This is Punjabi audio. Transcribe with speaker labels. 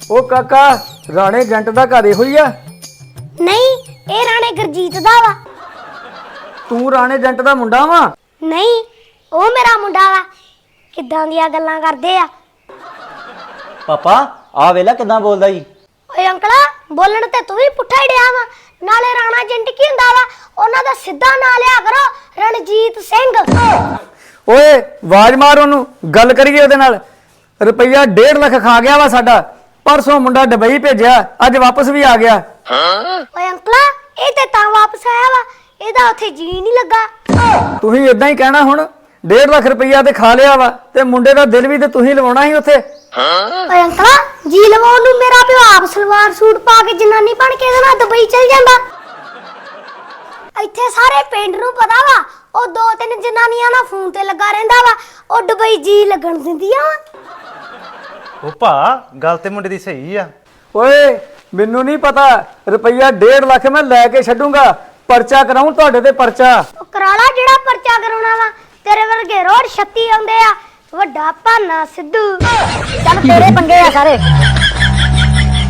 Speaker 1: ਉਹ ਕਾਕਾ ਰਾਣੇ ਜੰਟ ਦਾ ਘਰ ਇਹੋ ਹੀ ਆ?
Speaker 2: ਨਹੀਂ, ਇਹ ਰਾਣੇ ਗੁਰਜੀਤ ਦਾ ਵਾ।
Speaker 1: ਤੂੰ ਰਾਣੇ ਜੰਟ ਦਾ ਮੁੰਡਾ ਵਾ?
Speaker 2: ਨਹੀਂ, ਉਹ ਮੇਰਾ ਮੁੰਡਾ ਵਾ। ਕਿੱਦਾਂ ਦੀਆਂ ਗੱਲਾਂ ਕਰਦੇ ਆ।
Speaker 3: ਪਾਪਾ ਆ ਵੇਲਾ ਕਿਦਾਂ ਬੋਲਦਾ ਜੀ।
Speaker 2: ਓਏ ਅੰਕਲਾ, ਬੋਲਣ ਤੇ ਤੂੰ ਵੀ ਪੁੱਠਾ ਹੀ ਡਿਆ ਵਾ। ਨਾਲੇ ਰਾਣਾ ਜੰਟ ਕੀ ਹੁੰਦਾ ਵਾ? ਉਹਨਾਂ ਦਾ ਸਿੱਧਾ ਨਾਂ ਲਿਆ ਕਰੋ, ਰਣਜੀਤ ਸਿੰਘ।
Speaker 1: ਓਏ ਆਵਾਜ਼ ਮਾਰ ਉਹਨੂੰ, ਗੱਲ ਕਰੀਏ ਉਹਦੇ ਨਾਲ। ਰੁਪਈਆ 1.5 ਲੱਖ ਖਾ ਗਿਆ ਵਾ ਸਾਡਾ। ਪਰਸੋਂ ਮੁੰਡਾ ਦੁਬਈ ਭੇਜਿਆ, ਅੱਜ ਵਾਪਸ ਵੀ ਆ ਗਿਆ।
Speaker 2: ਓਏ ਅੰਕਲਾ, ਇਹ ਤੇ ਤਾਂ ਵਾਪਸ ਆਇਆ ਵਾ, ਇਹਦਾ ਉੱਥੇ ਜੀ ਨਹੀਂ ਲੱਗਾ।
Speaker 1: ਤੁਸੀਂ ਇਦਾਂ ਹੀ ਕਹਿਣਾ ਹੁਣ। 1.5 ਲੱਖ ਰੁਪਈਆ ਤੇ ਖਾ ਲਿਆ ਵਾ ਤੇ ਮੁੰਡੇ ਦਾ ਦਿਲ ਵੀ ਤੇ ਤੁਸੀਂ ਲਵਾਉਣਾ ਸੀ ਉੱਥੇ।
Speaker 2: ਓਏ ਅੰਕਲਾ, ਜੀ ਲਵਾਉਣ ਨੂੰ ਮੇਰਾ ਪਿਓ ਆਪ ਸਲਵਾਰ ਸੂਟ ਪਾ ਕੇ ਜਨਾਨੀ ਬਣ ਕੇ ਇਹਦੇ ਨਾਲ ਦੁਬਈ ਚਲ ਜਾਂਦਾ। ਇੱਥੇ ਸਾਰੇ ਪਿੰਡ ਨੂੰ ਪਤਾ ਵਾ ਉਹ 2-3 ਜਨਾਨੀਆਂ ਨਾਲ ਫੋਨ ਤੇ ਲੱਗਾ ਰਹਿੰਦਾ ਵਾ। ਉਹ ਦੁਬਈ ਜੀ ਲੱਗਣ ਦਿੰਦੀਆਂ ਵਾ।
Speaker 4: ਉਹ ਭਾ ਗੱਲ ਤੇ ਮੁੰਡੇ ਦੀ ਸਹੀ ਆ।
Speaker 1: ਓਏ ਮੈਨੂੰ ਨਹੀਂ ਪਤਾ, ਰੁਪਈਆ 1.5 ਲੱਖ ਮੈਂ ਲੈ ਕੇ ਛੱਡੂੰਗਾ। ਪਰਚਾ ਕਰਾਉਂ ਤੁਹਾਡੇ ਤੇ ਪਰਚਾ।
Speaker 2: ਉਹ ਕਰਾ ਲਾ ਜਿਹੜਾ ਪਰਚਾ ਕਰਾਉਣਾ ਵਾ। ਤੇਰੇ ਵਰਗੇ ਰੋਡ 36 ਆਉਂਦੇ ਆ, ਵੱਡਾ ਭਾਨਾ ਸਿੱਧੂ। ਚੱਲ ਤੇਰੇ ਪੰਗੇ ਆ ਸਾਰੇ।